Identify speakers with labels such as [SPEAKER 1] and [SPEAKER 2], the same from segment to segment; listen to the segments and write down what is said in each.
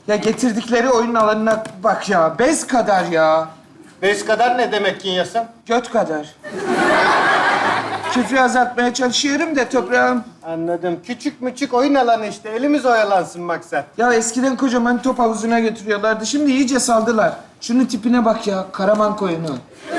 [SPEAKER 1] Ya getirdikleri oyun alanına bak ya. Bez kadar ya.
[SPEAKER 2] Bez kadar ne demek Kinyas'ım?
[SPEAKER 1] Göt kadar. Küfrü azaltmaya çalışıyorum da toprağım.
[SPEAKER 2] Anladım. Küçük müçük oyun alanı işte. Elimiz oyalansın maksat.
[SPEAKER 1] Ya eskiden kocaman top havuzuna götürüyorlardı. Şimdi iyice saldılar. Şunun tipine bak ya. Karaman koyunu.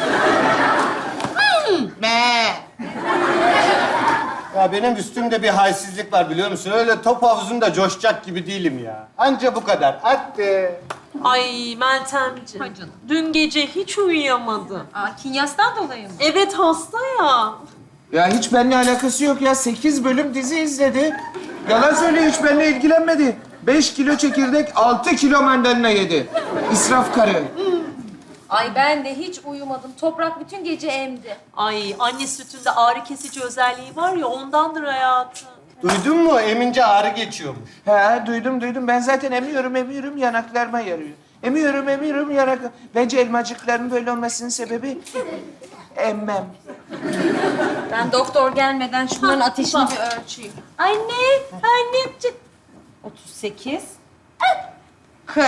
[SPEAKER 2] Ya benim üstümde bir halsizlik var biliyor musun? Öyle top havuzunda coşacak gibi değilim ya. Anca bu kadar. Hadi.
[SPEAKER 3] Ay Meltemciğim.
[SPEAKER 4] Ay canım.
[SPEAKER 3] Dün gece hiç uyuyamadım.
[SPEAKER 4] Kinyas'tan dolayı mı?
[SPEAKER 3] Evet hasta ya.
[SPEAKER 1] Ya hiç benimle alakası yok ya. 8 bölüm dizi izledi. Yalan söylüyor, hiç benimle ilgilenmedi. 5 kilo çekirdek, 6 kilo mandalina yedi. İsraf karı.
[SPEAKER 4] Ay ben de hiç uyumadım. Toprak bütün gece emdi.
[SPEAKER 3] Ay anne sütünde ağrı kesici özelliği var ya ondandır hayatım.
[SPEAKER 2] Duydun mu? Emince ağrı geçiyormuş.
[SPEAKER 1] He, duydum. Ben zaten emiyorum, yanaklarıma yarıyor. Emiyorum, yanak... Bence elmacıkların böyle olmasının sebebi... emmem.
[SPEAKER 4] Ben doktor gelmeden şunların ateşini bir ölçeyim.
[SPEAKER 3] Anneciğim.
[SPEAKER 4] 38. 40.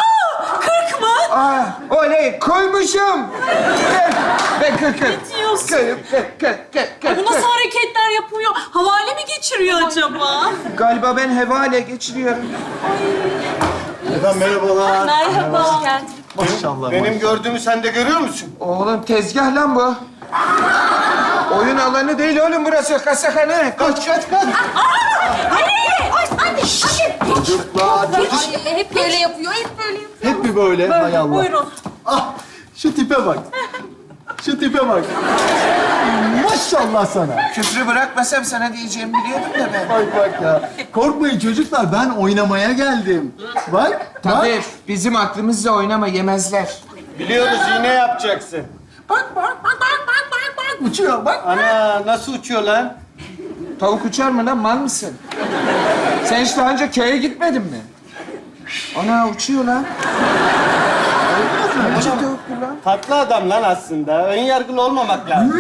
[SPEAKER 1] Aa, oley, koymuşum! Ben kır.
[SPEAKER 3] Ne diyorsun?
[SPEAKER 1] Kır.
[SPEAKER 3] Bu nasıl hareketler yapıyor? Havale mi geçiriyor acaba?
[SPEAKER 1] Galiba ben hevale geçiriyorum.
[SPEAKER 2] Efendim merhabalar.
[SPEAKER 3] Merhaba. Hoş geldin.
[SPEAKER 5] Maşallah.
[SPEAKER 2] Benim gördüğümü sen de görüyor musun?
[SPEAKER 1] Oğlum tezgah lan bu. Oyun alanı değil oğlum burası, kasakhane.
[SPEAKER 2] Kaç.
[SPEAKER 5] Çocuklar.
[SPEAKER 4] Ay, hep böyle yapıyor, hep böyle yapıyor.
[SPEAKER 5] Hep bir böyle. Hay Allah.
[SPEAKER 3] Buyurun.
[SPEAKER 5] Ah, şu tipe bak. Şu tipe bak. Maşallah sana.
[SPEAKER 1] Küfrü bırakmasam sana diyeceğimi biliyordum da ben.
[SPEAKER 5] Bak ya. Korkmayın çocuklar, ben oynamaya geldim. Bak, bak.
[SPEAKER 1] Tabii, bizim aklımızla oynama, yemezler.
[SPEAKER 2] Biliyoruz yine yapacaksın.
[SPEAKER 5] Bak. Uçuyor, bak.
[SPEAKER 2] Ana nasıl uçuyor lan?
[SPEAKER 1] Tavuk uçar mı lan, mal mısın? Sen hiç daha önce köye gitmedin mi? Ana uçuyor lan. Ne biçim tavuktur lan?
[SPEAKER 2] Tatlı adam lan aslında. Ön yargılı olmamak lazım.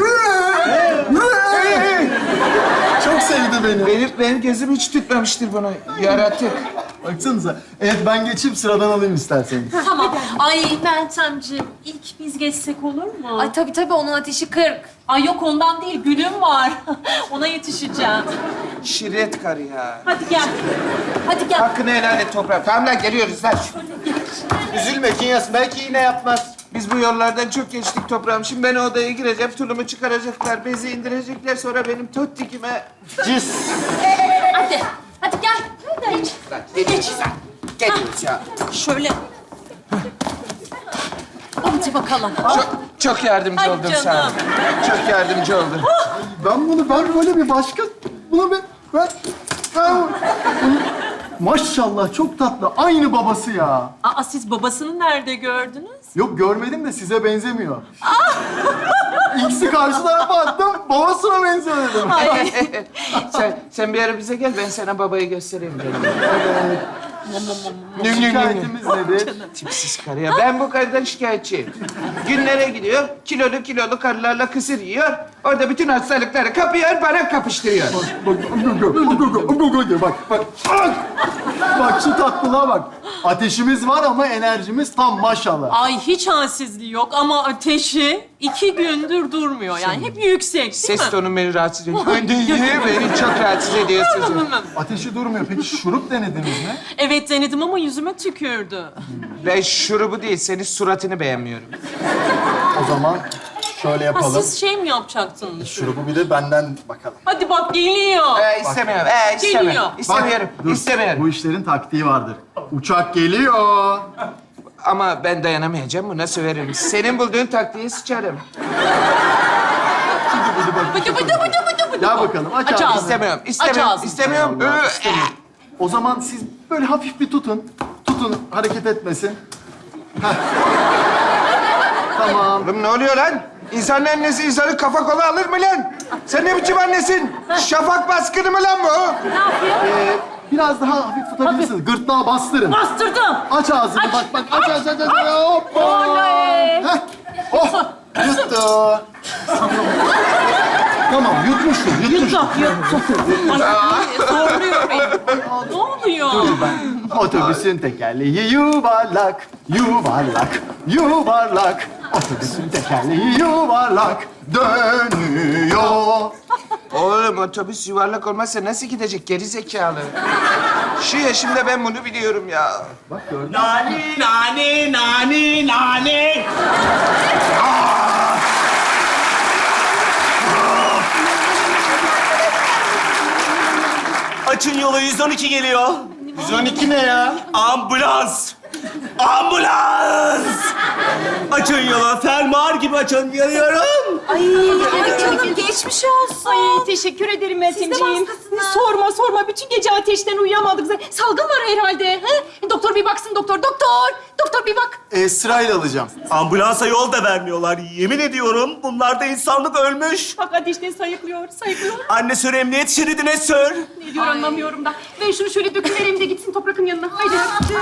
[SPEAKER 5] Çok sevdi beni.
[SPEAKER 1] Benim gözüm hiç tutmamıştır bunu. Yaratık.
[SPEAKER 5] Baksanıza. Evet, ben geçip sıradan alayım isterseniz.
[SPEAKER 3] Tamam. Ay Meltemciğim ilk biz geçsek olur mu?
[SPEAKER 4] Ay tabii onun ateşi 40.
[SPEAKER 3] Ay yok ondan değil gülüm var. Ona yetişeceğim.
[SPEAKER 1] Şirret karı ya.
[SPEAKER 3] Hadi gel. Hadi gel.
[SPEAKER 1] Hakkını helal et toprak. Tamam lan, geliyoruz lan.
[SPEAKER 2] Üzülme Kinyas. Belki yine yapmaz.
[SPEAKER 1] Biz bu yollardan çok geçtik toprağım. Şimdi ben odaya gireceğim, tulumu çıkaracaklar, bezi indirecekler. Sonra benim tottikime...
[SPEAKER 2] Cis.
[SPEAKER 4] Hadi gel. Hadi.
[SPEAKER 1] Lan geliyoruz lan. Geliyoruz ya.
[SPEAKER 3] Şöyle. Hadi bakalım.
[SPEAKER 1] Çok yardımcı
[SPEAKER 3] Ay
[SPEAKER 1] oldum
[SPEAKER 3] canım.
[SPEAKER 1] sana. Çok yardımcı oldum.
[SPEAKER 5] Ben böyle bir başka... Ben... Maşallah, çok tatlı. Aynı babası ya.
[SPEAKER 3] Aa siz babasını nerede gördünüz?
[SPEAKER 5] Yok, görmedim de size benzemiyor. İkisi karşı tarafa attım, babasına benziyor dedim.
[SPEAKER 3] Ay.
[SPEAKER 1] Sen bir ara bize gel, ben sana babayı göstereyim. Nüm.
[SPEAKER 5] Şikayetimiz nedir?
[SPEAKER 1] Tipsiz karı ya. Ben bu karıdan şikayetçiyim. Günlere gidiyor, kilolu karılarla kısır yiyor. Orada bütün hastalıkları kapıyor, bana kapıştırıyor.
[SPEAKER 5] Bak. Bak şu tatlılığa bak. Ateşimiz var ama enerjimiz tam maşallah.
[SPEAKER 3] Ay hiç halsizliği yok ama ateşi 2 gündür durmuyor. Yani hep yüksek değil
[SPEAKER 1] Ses
[SPEAKER 3] mi?
[SPEAKER 1] tonun beni rahatsız ediyor. Beni çok rahatsız ediyorsunuz.
[SPEAKER 5] Ateşi durmuyor. Peki şurup denediniz mi?
[SPEAKER 3] Evet denedim ama yüzüme tükürdü.
[SPEAKER 1] Ben şurubu değil, senin suratını beğenmiyorum.
[SPEAKER 5] O zaman şöyle
[SPEAKER 3] Ha,
[SPEAKER 5] yapalım.
[SPEAKER 3] siz şey mi yapacaktınız?
[SPEAKER 5] Şurubu bir de benden bakalım.
[SPEAKER 3] Hadi bak geliyor.
[SPEAKER 1] İstemiyorum.
[SPEAKER 3] Geliyor.
[SPEAKER 1] İstemiyorum.
[SPEAKER 5] Dur.
[SPEAKER 1] İstemiyorum.
[SPEAKER 5] Bu işlerin taktiği vardır. Uçak geliyor.
[SPEAKER 1] Ama ben dayanamayacağım. Buna söverim. Senin bulduğun taktiği sıçarım.
[SPEAKER 3] Bıdı.
[SPEAKER 5] Gel bakalım. Aç
[SPEAKER 3] Aç
[SPEAKER 5] ağzını.
[SPEAKER 3] ağzını.
[SPEAKER 1] İstemiyorum.
[SPEAKER 3] Aç ağzını.
[SPEAKER 1] İstemiyorum.
[SPEAKER 5] Allah, istemiyorum. O zaman siz böyle hafif bir tutun. Tutun, hareket etmesin. Heh. Tamam.
[SPEAKER 1] Oğlum ne oluyor lan? İnsanın annesi insanın kafa kola alır mı lan? Sen ne biçim annesin? Şafak baskını mı lan bu?
[SPEAKER 3] Ne yapıyor?
[SPEAKER 5] Biraz daha hafif tutabilirsiniz. Gırtlağa bastırın.
[SPEAKER 3] Bastırdım.
[SPEAKER 5] Aç ağzını. Bak. Aç. Hoppa.
[SPEAKER 3] Oley.
[SPEAKER 5] Heh. Oh. Yuttu. Tamam, yutmuştur.
[SPEAKER 3] Yuttu. Ay, zorluyor beni. Ne oluyor?
[SPEAKER 5] Otobüsün tekerleği yuvarlak, yuvarlak, yuvarlak. Otobüsün tekerleği yuvarlak, dönüyor.
[SPEAKER 1] Oğlum otobüs yuvarlak olmazsa nasıl gidecek geri zekalı? Şu yaşımda ben bunu biliyorum ya.
[SPEAKER 6] Nani, nani, nani, nani. Açın yolu, 112 geliyor.
[SPEAKER 2] 112 ne ya?
[SPEAKER 6] Ambulans! Ambulans! Açın yolu, fermuar gibi açın, yanıyorum.
[SPEAKER 4] Ay canım geçmiş olsun.
[SPEAKER 3] Ay teşekkür ederim Meltemciğim. Sorma. Bütün gece ateşten uyuyamadık. Salgın var herhalde. He? Doktor bir baksın doktor. Doktor bir bak.
[SPEAKER 5] Sırayla alacağım.
[SPEAKER 6] Ambulansa yol da vermiyorlar. Yemin ediyorum bunlarda insanlık ölmüş.
[SPEAKER 3] Bak ateşten sayıklıyor.
[SPEAKER 6] Anne sür emniyet şeridine sür.
[SPEAKER 3] Ne diyor anlamıyorum da. Ver şunu şöyle döküvereyim de gitsin Toprak'ın yanına. Haydi.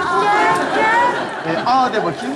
[SPEAKER 5] A de bakayım.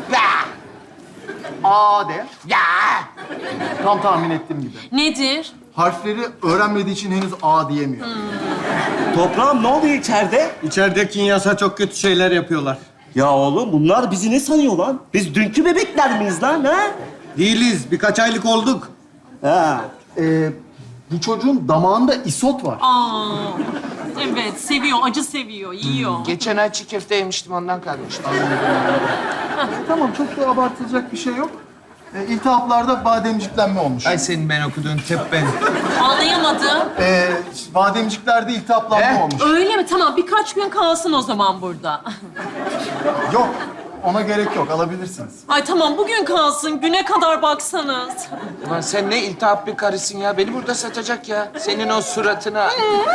[SPEAKER 5] A de. Tam tahmin ettiğim gibi.
[SPEAKER 3] Nedir?
[SPEAKER 5] Harfleri öğrenmediği için henüz A diyemiyor.
[SPEAKER 6] Toprağım ne oluyor içeride?
[SPEAKER 2] İçeride Kinyas'a çok kötü şeyler yapıyorlar.
[SPEAKER 6] Ya oğlum bunlar bizi ne sanıyor lan? Biz dünkü bebekler miyiz lan ha?
[SPEAKER 2] Değiliz. Birkaç aylık olduk.
[SPEAKER 6] Ha.
[SPEAKER 5] Bu çocuğun damağında isot var.
[SPEAKER 3] Evet seviyor. Acı seviyor. Yiyor.
[SPEAKER 1] Geçen ay çiğ köfte yemiştim ondan kalmıştı.
[SPEAKER 5] Tamam, çok da abartılacak bir şey yok. İltihaplarda bademciklenme olmuş.
[SPEAKER 1] Ay senin ben okuduğun tıp ben.
[SPEAKER 3] Anlayamadım.
[SPEAKER 5] Bademciklerde iltihaplanma olmuş.
[SPEAKER 3] Öyle mi? Tamam birkaç gün kalsın o zaman burada.
[SPEAKER 5] Yok, ona gerek yok. Alabilirsiniz.
[SPEAKER 3] Ay tamam bugün kalsın. Güne kadar baksanız.
[SPEAKER 1] Ulan sen ne iltihap bir karısın ya. Beni burada satacak ya. Senin o suratına.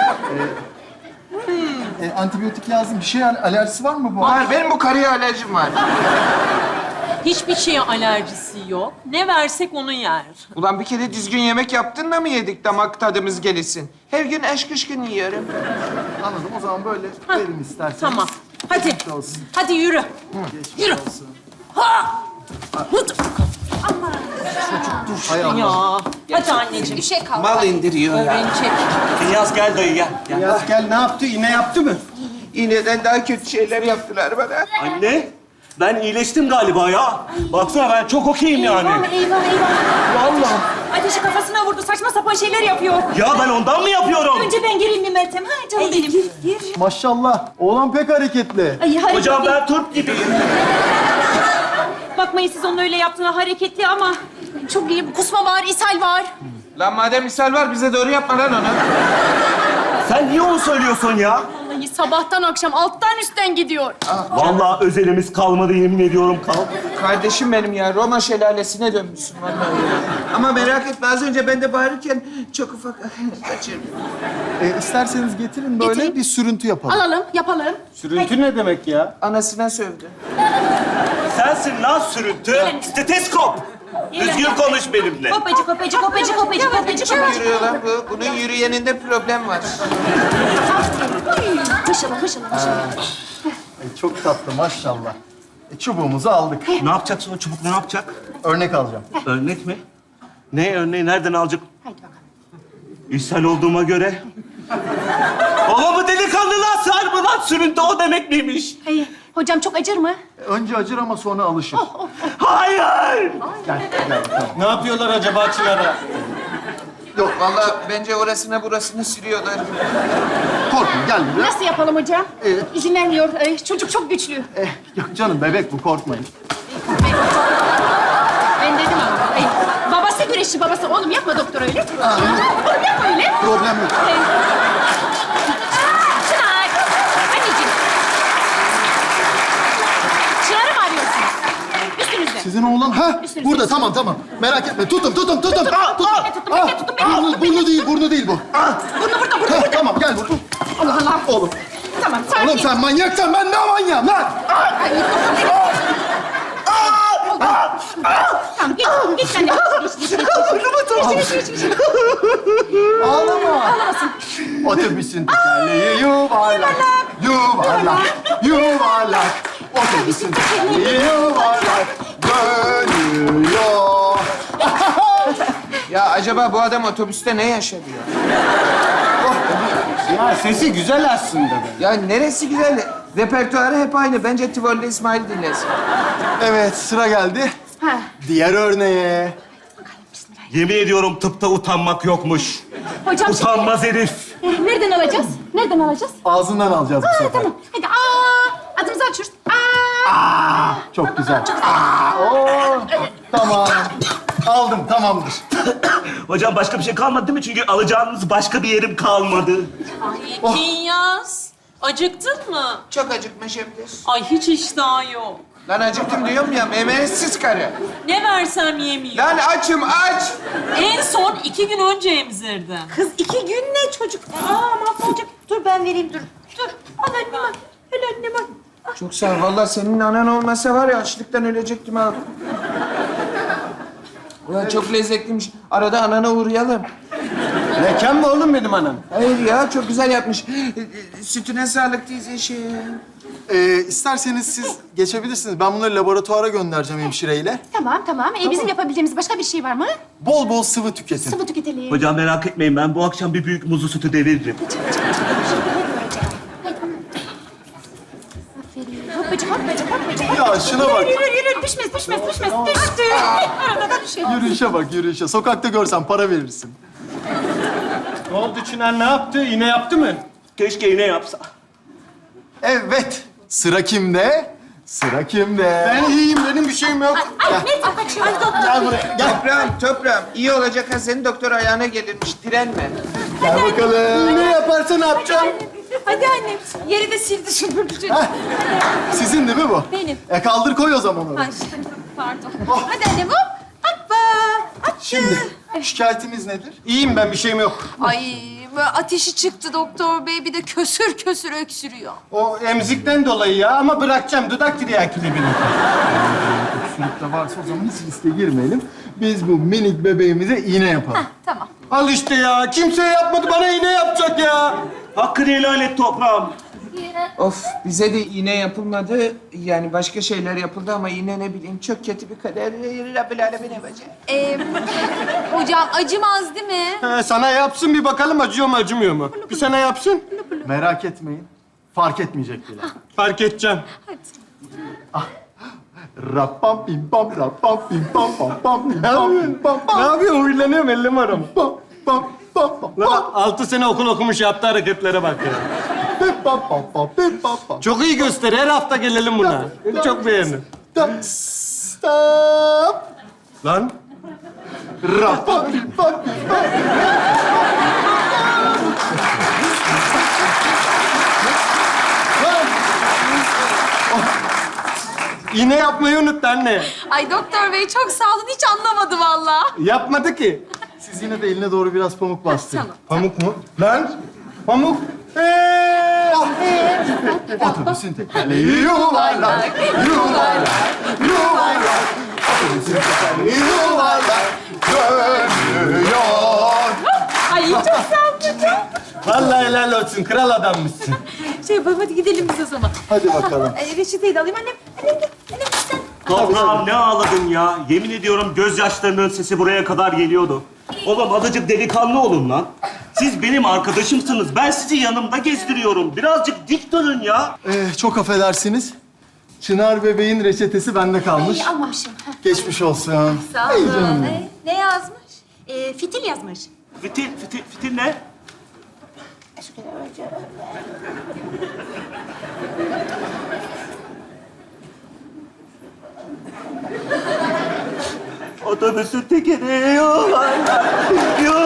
[SPEAKER 5] Antibiyotik lazım. Bir şey alerjisi var mı bu?
[SPEAKER 1] Var benim bu karıya alerjim var.
[SPEAKER 3] Hiçbir şeye alerjisi yok. Ne versek onu yer.
[SPEAKER 1] Ulan bir kere düzgün yemek yaptın da mı yedik damak tadımız gelişsin? Her gün aşkışkın yiyorum.
[SPEAKER 5] Anladım. O zaman böyle verin isterseniz.
[SPEAKER 3] Tamam. Hadi.
[SPEAKER 5] Geçmiş olsun.
[SPEAKER 3] Hadi yürü.
[SPEAKER 5] Geçmiş
[SPEAKER 3] Yürü.
[SPEAKER 5] olsun.
[SPEAKER 3] Ha!
[SPEAKER 5] Hay Allah.
[SPEAKER 3] Ya. Hadi anneciğim.
[SPEAKER 4] Bir şey kaldı.
[SPEAKER 1] Mal indiriyor ya.
[SPEAKER 3] Böbreğini çek.
[SPEAKER 6] Kinyas gel dayı gel.
[SPEAKER 2] Kinyas gel ne yaptı? İğne yaptı mı?
[SPEAKER 1] İğneden daha kötü şeyler yaptılar bana.
[SPEAKER 6] Anne, ben iyileştim galiba ya. Baksana ben çok okeyim yani.
[SPEAKER 3] Eyvah.
[SPEAKER 6] Vallahi.
[SPEAKER 3] Ateşi kafasına vurdu. Saçma sapan şeyler yapıyor.
[SPEAKER 6] Ya ben ondan mı yapıyorum?
[SPEAKER 3] Önce ben gireyim mi Meltem? Ha canım benim. Gir.
[SPEAKER 5] Maşallah. Oğlan pek hareketli.
[SPEAKER 3] Ay hareketli.
[SPEAKER 6] Hocam ben Türk gibiyim.
[SPEAKER 3] Bakmayın siz onun öyle yaptığına hareketli ama çok iyi. Kusma var, ishal var.
[SPEAKER 1] Lan madem misal var bize doğru yapma lan onu.
[SPEAKER 6] Sen niye onu söylüyorsun ya?
[SPEAKER 3] Vallahi sabahtan akşam alttan üstten gidiyor.
[SPEAKER 6] Vallahi özelimiz kalmadı yemin ediyorum kal.
[SPEAKER 1] Kardeşim benim ya Roma şelalesine dönmüşsün vallahi. Ama merak etme az önce ben de bağırırken çok ufak kaçırdım.
[SPEAKER 5] İsterseniz getirin böyle
[SPEAKER 3] Getireyim.
[SPEAKER 5] bir sürüntü yapalım.
[SPEAKER 3] Alalım, yapalım.
[SPEAKER 2] Sürüntü ne demek ya?
[SPEAKER 1] Anasına sövdü.
[SPEAKER 6] Sensin lan sürüntü. Steteskop. Düzgün konuş benimle.
[SPEAKER 3] Kopacı.
[SPEAKER 1] Yürüyor lan bu. Bunun yürüyeninde problem var.
[SPEAKER 3] Hışılı.
[SPEAKER 5] Çok tatlı maşallah. Çubuğumuzu aldık.
[SPEAKER 6] Ne yapacaksın o çubuk ne yapacak?
[SPEAKER 5] Örnek alacağım.
[SPEAKER 6] Örnek mi? Ne örneği nereden alacak?
[SPEAKER 3] Haydi bakalım.
[SPEAKER 6] İshal olduğuma göre. Ama bu delikanlılığa sar mı lan? Sürüntü o demek miymiş?
[SPEAKER 3] Hocam çok acır mı?
[SPEAKER 5] Önce acır ama sonra alışır.
[SPEAKER 6] Hayır!
[SPEAKER 5] Gel tamam.
[SPEAKER 2] Ne yapıyorlar acaba Çınar'a?
[SPEAKER 1] Yok vallahi bence orasına burasını sürüyorlar.
[SPEAKER 5] Korkma gel buraya.
[SPEAKER 3] Nasıl yapalım hocam?
[SPEAKER 5] Evet.
[SPEAKER 3] İzin vermiyor. Çocuk çok güçlü.
[SPEAKER 5] Yok canım bebek bu korkmayın.
[SPEAKER 3] Ben dedim ama. Babası güreşçi babası. Oğlum yapma doktor öyle. Oğlum yapma öyle.
[SPEAKER 5] Problem yok.
[SPEAKER 3] Çınar. Anneciğim. Çınar'ı mı arıyorsunuz? Üstünüzde.
[SPEAKER 5] Sizin oğlan ha
[SPEAKER 3] Üstünüzde.
[SPEAKER 5] burada tamam. Merak etme tuttum.
[SPEAKER 3] Tuttum,
[SPEAKER 5] Burnu değil bu.
[SPEAKER 3] Burnu burada.
[SPEAKER 5] Ha, tamam gel burada.
[SPEAKER 3] Allah Allah.
[SPEAKER 5] Oğlum.
[SPEAKER 3] Tamam sakin.
[SPEAKER 5] Oğlum sen manyaksan ben ne manyağım lan?
[SPEAKER 3] Tamam git sen de. Geç.
[SPEAKER 5] Ağlama.
[SPEAKER 3] Ağlamasın.
[SPEAKER 5] Otobüsün tekerleği yuvarlak. Otobüsün tekerleği yuvarlak. Dönüyor.
[SPEAKER 1] Ya acaba bu adam otobüste ne yaşadı ya?
[SPEAKER 2] Ya sesi güzel aslında be.
[SPEAKER 1] Ya neresi güzel? Repertuarı hep aynı. Bence Tivoli'de İsmail dinlesin.
[SPEAKER 5] Evet, sıra geldi. Diğer örneğe.
[SPEAKER 6] Yemin ediyorum tıpta utanmak yokmuş.
[SPEAKER 3] Hocam
[SPEAKER 6] Utanmaz herif.
[SPEAKER 3] nereden alacağız? Nereden alacağız?
[SPEAKER 5] Ağzından alacağız bu sefer.
[SPEAKER 3] Tamam. Hadi adımızı açıyoruz.
[SPEAKER 5] Çok güzel. Oo, tamam. Aldım, tamamdır.
[SPEAKER 6] Hocam başka bir şey kalmadı değil mi? Çünkü alacağınız başka bir yerim kalmadı.
[SPEAKER 7] Ay Kinyas, acıktın mı?
[SPEAKER 1] Çok acıkmış Şebnem.
[SPEAKER 7] Ay hiç iştahın yok.
[SPEAKER 1] Lan acıktım diyorum ya, memetsiz karı.
[SPEAKER 7] Ne versem yemiyor.
[SPEAKER 1] Lan açım, aç.
[SPEAKER 7] En son 2 gün önce emzirdim.
[SPEAKER 4] Kız 2 gün ne çocuk? Mahvolacak. Dur ben vereyim dur. Dur. Al annem al. Öyle annem al.
[SPEAKER 1] Çok sağ ol. Vallahi senin anan olmasa var ya, açlıktan ölecektim abi. Ulan çok lezzetliymiş. Arada anana uğrayalım.
[SPEAKER 2] Mekan mı oğlum benim anam?
[SPEAKER 1] Hayır ya, çok güzel yapmış. Sütüne sağlık teyzeciğim.
[SPEAKER 5] İsterseniz siz geçebilirsiniz. Ben bunları laboratuvara göndereceğim hemşireyle.
[SPEAKER 3] Tamam. Bizim yapabileceğimiz başka bir şey var mı?
[SPEAKER 5] Bol bol sıvı tüketin.
[SPEAKER 3] Sıvı tüketelim.
[SPEAKER 6] Hocam merak etmeyin, ben bu akşam bir büyük muzlu sütü deviririm.
[SPEAKER 3] Hoppacık.
[SPEAKER 5] Ya şuna bak.
[SPEAKER 3] Yürü. Düşmez. Düştü. Arada da düşelim.
[SPEAKER 5] Yürüyüşe bak, yürüyüşe. Sokakta görsen para verirsin.
[SPEAKER 2] Ne oldu Çınar, ne yaptı? İğne yaptı mı?
[SPEAKER 6] Keşke yine yapsa.
[SPEAKER 5] Evet. Sıra kimde? Sıra kimde?
[SPEAKER 2] Ben iyiyim, benim bir şeyim yok.
[SPEAKER 5] Gel buraya, gel.
[SPEAKER 1] Toprağım. İyi olacak ha, senin doktor ayağına gelirmiş. Direnme.
[SPEAKER 5] Gel bakalım.
[SPEAKER 2] Ne yaparsa ne yapacağım?
[SPEAKER 4] Hadi annem. Yeri de sildi süpürdü.
[SPEAKER 5] Heh. Sizin değil mi bu?
[SPEAKER 4] Benim.
[SPEAKER 5] Kaldır koy o zaman onu.
[SPEAKER 4] Ay, pardon. Hadi annem hop. Hoppa.
[SPEAKER 5] Şimdi şikayetiniz nedir?
[SPEAKER 2] İyiyim ben, bir şeyim yok.
[SPEAKER 4] Ay böyle ateşi çıktı doktor bey. Bir de kösür öksürüyor.
[SPEAKER 2] O emzikten dolayı ya, ama bırakacağım. Dudak tiryakili benim.
[SPEAKER 5] Sürükte varsa o zaman hiç riske girmeyelim. Biz bu minik bebeğimize iğne yapalım.
[SPEAKER 4] Tamam.
[SPEAKER 2] Al işte ya, kimse yapmadı, bana iğne yapacak ya.
[SPEAKER 6] Hakkını helal et toprağım.
[SPEAKER 1] Of, bize de iğne yapılmadı. Yani başka şeyler yapıldı ama iğne ne bileyim çok kötü bir kader. Rabbil alemin yapacak.
[SPEAKER 4] Hocam acımaz değil mi?
[SPEAKER 2] Sana yapsın, bir bakalım acıyor mu acımıyor mu? Bir sana yapsın.
[SPEAKER 5] Merak etmeyin. Fark etmeyecek bile.
[SPEAKER 2] Fark edeceğim.
[SPEAKER 5] Rappam pim pam rappam pim pam pam pam pim pam pim pam
[SPEAKER 2] Ne
[SPEAKER 5] pam
[SPEAKER 2] yapıyorsun? Huylanıyorum, ellim aram.
[SPEAKER 5] pam pam pam pam
[SPEAKER 2] Lan 6 sene okul okumuş, yaptığı hareketlere bak ya.
[SPEAKER 5] pim pam pam pam pim pam pam.
[SPEAKER 2] Çok iyi gösteri, her hafta gelelim buna. Çok beğendim.
[SPEAKER 5] Stop.
[SPEAKER 2] Lan.
[SPEAKER 5] Rappam pim pam pim pam.
[SPEAKER 2] İğne yapmayı unuttu anne.
[SPEAKER 4] Ay doktor bey çok sağ olun. Hiç anlamadı vallahi.
[SPEAKER 2] Yapmadı ki.
[SPEAKER 5] Siz yine de eline doğru biraz pamuk bastırın.
[SPEAKER 4] Tamam.
[SPEAKER 2] Pamuk mu? Lan. Pamuk.
[SPEAKER 5] Otobüsün tekerleği yuvarlak, yuvarlak, yuvarlak. Otobüsün tekerleği yuvarlak, dönüyor.
[SPEAKER 4] Ay çok sağ olun hocam.
[SPEAKER 2] Vallahi helal olsun, kral adammışsın.
[SPEAKER 4] Şey yapalım hadi gidelim biz o zaman.
[SPEAKER 5] Hadi bakalım.
[SPEAKER 4] Reçeteyi de alayım annem. Annem sen.
[SPEAKER 6] Toprağım ne ağladın ya? Yemin ediyorum gözyaşlarının sesi buraya kadar geliyordu. Oğlum azıcık delikanlı olun lan. Siz benim arkadaşımsınız. Ben sizi yanımda gezdiriyorum. Birazcık dik durun ya.
[SPEAKER 5] Çok affedersiniz. Çınar bebeğin reçetesi bende kalmış.
[SPEAKER 3] Almamışım.
[SPEAKER 5] Geçmiş olsun.
[SPEAKER 4] Sağ
[SPEAKER 5] Ay canım
[SPEAKER 4] olun.
[SPEAKER 5] benim.
[SPEAKER 4] Ne yazmış?
[SPEAKER 3] Fitil yazmış.
[SPEAKER 6] Fitil ne? Otobüsün tekeri yuvarlak, yuvarlak.